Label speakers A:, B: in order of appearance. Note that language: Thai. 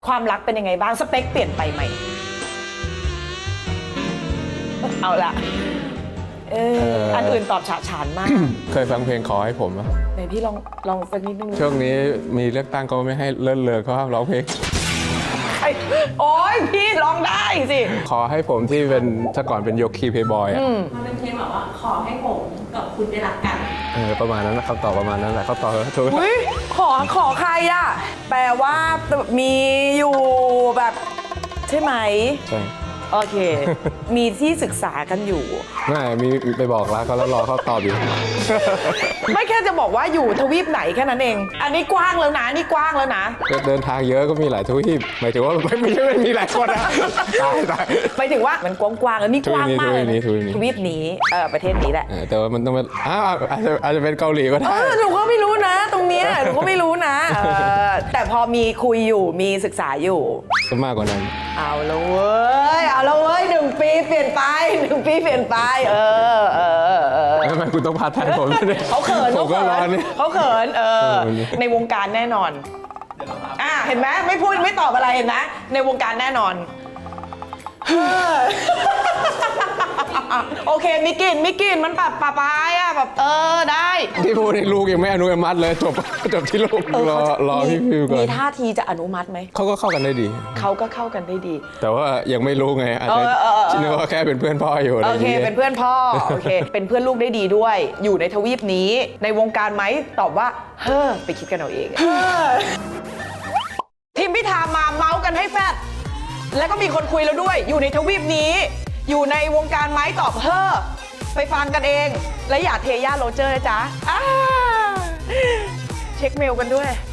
A: ความรักเป็นยังไงบ้างสเปคเปลี่ยนไปไหมเอาละอันอื่นตอบฉะฉานมาก
B: เคยฟังเพลงขอให้ผมอะ
A: ไหนพี่ลองสักนิดนึง
B: ช่วงนี้มีเลือกตั้งก็ไม่ให้เลิศเลอเขาห้ามร้องเพลง
A: โอ้ยพี่ร้องได้สิ
B: ขอให้ผมที่เป็นแต่ก่อนเป็นโยคีเพย์บอยอะ
C: มันเป็นเพลงแบบว่าขอให้ผมกับคุณได้รักกัน
B: ประมาณนั้นนะคำตอบประมาณนั้นแหละเขาตอบถูก
A: อุ้ยขอใครอะแปลว่ามีอยู่แบบใช่ไหม
B: ใช่
A: โอเค มีที่ศึกษากันอยู่
B: ไม่มีไปบอกรักเขาแล้วรอเขาตอบอยู่
A: ไม่แค่จะบอกว่าอยู่ทวีปไหนแค่นั้นเอง อันนี้กว้างแล้วนะนี่กว้างแล้วนะ
B: เดินทางเยอะก็มีหลายทวีปหมายถึงว่าไม่ใช่ไม่มีหลายคนนะตาย
A: หมายถึงว่ามันกว้างๆแล้วนี่กว้างมากเลยนะ
B: ทวีปนี้
A: ทวีปนี้ประเทศนี้แหละ
B: แต่ว่ามันต้องเป็นอาจจะเป็นเกาหลีก็ได้
A: หนูก็ไม่รู้นะ ตรงเนี้ยหนูก็ไม่รู้นะแต่พอมีคุยอยู่มีศึกษาอยู่
B: ก็มากกว่านั้น
A: เอาละเว้ย1 ปีเปลี่ยนไป1 ปีเปลี่ยนไป
B: ทำไมคุณต้องพาทายผมด้วย
A: เขาเขิน
B: ผมก็รอนี่
A: เขาเขินในวงการแน่นอนเห็นไหมไม่พูดไม่ตอบอะไรเห็นไหมในวงการแน่นอนโอเคมิกลินมันแบบปะปายอะแบบได้
B: ที่พูดในลูกยังไม่อนุมัติเลยจบที่ลูกรอพี่ฟิวก่อน
A: มีท่าทีจะอนุมัติไหม
B: เขาก็เข้ากันได้ดี
A: เขาก็เข้ากันได้ดี
B: แต่ว่ายังไม่รู้ไงอาจจะคิดว่าแค่เป็นเพื่อนพ่ออยู่อะไร
A: โอ
B: อย่าง
A: เค
B: เงี้ย
A: เป็นเพื่อนพ่อโอเคเป็นเพื่อนลูกได้ดีด้วย อยู่ในทวีปนี้ในวงการไหมตอบว่าไปคิดกันเอาเองทีมพิธามาเมาส์กันให้แฟดแล้วก็มีคนคุยแล้วด้วย อยู่ในทวีปนี้ อยู่ในวงการไหมตอบไปฟังกันเอง และอย่าเทย่าโรเจอร์นะจ๊ะเช็คเมลกันด้วย